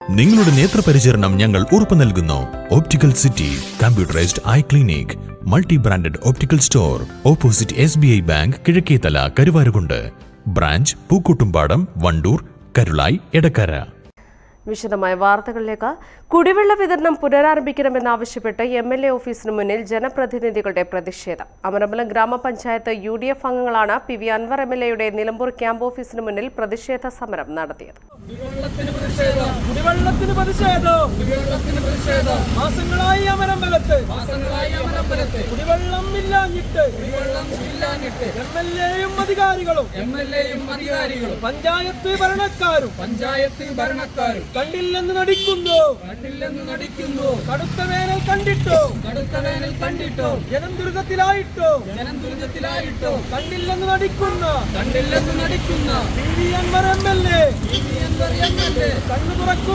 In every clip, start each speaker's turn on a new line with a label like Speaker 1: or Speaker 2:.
Speaker 1: നിങ്ങളുടെ നേത്രപരിചരണം ഞങ്ങൾ ഉറപ്പു നൽകുന്നു. Optical city computerised eye clinic, multi branded optical store, opposite SBI bank, Kizhakkethala, Karuvarakundu. Branch Pookkottumpadam, Wandoor, Karulai, Edakkara.
Speaker 2: വിശദമായ വാർത്തകളിലേക്ക്. കുടിവെള്ള വിതരണം പുനരാരംഭിക്കണമെന്നാവശ്യപ്പെട്ട് MLA ഓഫീസിന് മുന്നിൽ ജനപ്രതിനിധികളുടെ പ്രതിഷേധം. അമരമ്പലം ഗ്രാമപഞ്ചായത്ത് UDF അംഗങ്ങളാണ് PV അൻവർ MLAയുടെ നിലമ്പൂർ ക്യാമ്പ് ഓഫീസിന് മുന്നിൽ പ്രതിഷേധ സമരം നടത്തിയത്.
Speaker 3: മാസങ്ങളായി അമരമ്പലത്ത് കുടിവെള്ളം ഇല്ലാഞ്ഞിട്ട് MLAയും അധികാരികളും പഞ്ചായത്ത് ഭരണക്കാരും കണ്ടില്ലെന്ന് നടിക്കുന്നു. കടുത്ത വേനൽ കണ്ടിട്ടോ ജനം ദുരിതത്തിലായിട്ടോ കണ്ടില്ലെന്ന് നടിക്കുന്ന PV അൻവർ MLA കണ്ണു തുറക്കൂ.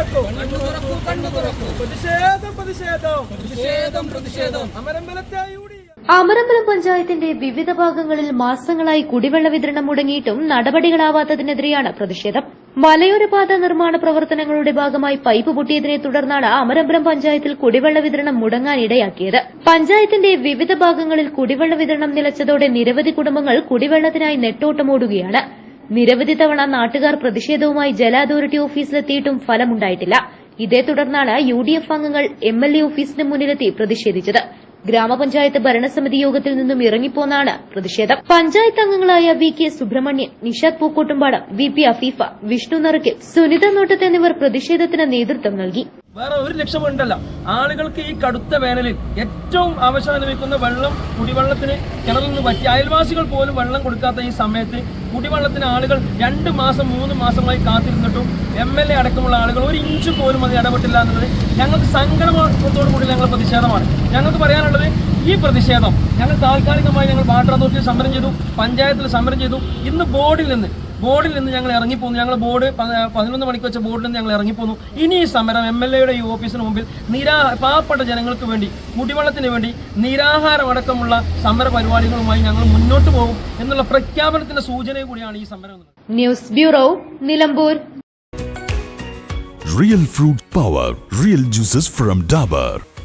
Speaker 3: പ്രതിഷേധം.
Speaker 4: അമരമ്പലം പഞ്ചായത്തിന്റെ വിവിധ ഭാഗങ്ങളിൽ മാസങ്ങളായി കുടിവെള്ള വിതരണം മുടങ്ങിയിട്ടും നടപടികളാവാത്തതിനെതിരെയാണ് പ്രതിഷേധം. മലയോര പാത നിർമ്മാണ പ്രവർത്തനങ്ങളുടെ ഭാഗമായി പൈപ്പ് പൊട്ടിയതിനെ തുടർന്നാണ് അമരമ്പലം പഞ്ചായത്തിൽ കുടിവെള്ള വിതരണം മുടങ്ങാനിടയാക്കിയത്. പഞ്ചായത്തിന്റെ വിവിധ ഭാഗങ്ങളിൽ കുടിവെള്ള വിതരണം നിലച്ചതോടെ നിരവധി കുടുംബങ്ങൾ കുടിവെള്ളത്തിനായി നെട്ടോട്ടമോടുകയാണ്. നിരവധി തവണ നാട്ടുകാർ പ്രതിഷേധവുമായി ജല അതോറിറ്റി ഓഫീസിലെത്തിയിട്ടും ഫലമുണ്ടായിട്ടില്ല. ഇതേ തുടർന്നാണ് UDF അംഗങ്ങൾ MLA ഓഫീസിന് മുന്നിലെത്തി പ്രതിഷേധിച്ചത്. ഗ്രാമപഞ്ചായത്ത് ഭരണസമിതി യോഗത്തിൽ നിന്നും ഇറങ്ങിപ്പോന്നാണ് പ്രതിഷേധം. പഞ്ചായത്ത് അംഗങ്ങളായ VK സുബ്രഹ്മണ്യൻ, നിഷാദ് പൂക്കോട്ടുംപാടം, VP അഫീഫ, വിഷ്ണു നറുക്കിൽ, സുനിത നോട്ടത്ത് എന്നിവർ പ്രതിഷേധത്തിന് നേതൃത്വം നൽകി.
Speaker 3: വേറെ ഒരു ലക്ഷ്യമുണ്ടല്ല, ആളുകൾക്ക് ഈ കടുത്ത വേനലിൽ ഏറ്റവും ആവശ്യം ലഭിക്കുന്ന വെള്ളം, കുടിവെള്ളത്തിന് കിണറിൽ നിന്ന് പറ്റി അയൽവാസികൾ പോലും വെള്ളം കൊടുക്കാത്ത ഈ സമയത്ത് കുടിവെള്ളത്തിന് ആളുകൾ 2 മാസം 3 മാസമായി കാത്തിരുന്നിട്ടും MLA അടക്കമുള്ള ആളുകൾ ഒരു ഇഞ്ച് പോലും അത് ഇടപെട്ടില്ല എന്നുള്ളത് ഞങ്ങൾക്ക് സങ്കടത്തോടു കൂടി ഞങ്ങൾ പ്രതിഷേധമാണ്. ഞങ്ങൾക്ക് പറയാനുള്ളത്, ഈ പ്രതിഷേധം ഞങ്ങൾ താൽക്കാലികമായി വാട്ടർ അതോറിറ്റിയിൽ സമരം ചെയ്തു, പഞ്ചായത്തിൽ സമരം ചെയ്തു. ഇന്ന് ബോർഡിൽ നിന്ന് ഞങ്ങൾ ഇറങ്ങിപ്പോന്നു. ഞങ്ങൾ ബോർഡ് 11 മണിക്ക് വെച്ച ബോർഡിൽ നിന്ന് ഞങ്ങൾ ഇറങ്ങിപ്പോന്നു. ഇനി ഈ സമരം MLAയുടെ ഈ ഓഫീസിന് മുമ്പിൽ പാവപ്പെട്ട ജനങ്ങൾക്ക് വേണ്ടി, കുടിവെള്ളത്തിന് വേണ്ടി നിരാഹാരമടക്കമുള്ള സമര പരിപാടികളുമായി ഞങ്ങൾ മുന്നോട്ട് പോകും എന്നുള്ള പ്രഖ്യാപനത്തിന്റെ സൂചന കൂടിയാണ് ഈ സമരം.
Speaker 4: News bureau, Nilambur.
Speaker 1: Real fruit power, real juices from Dabur.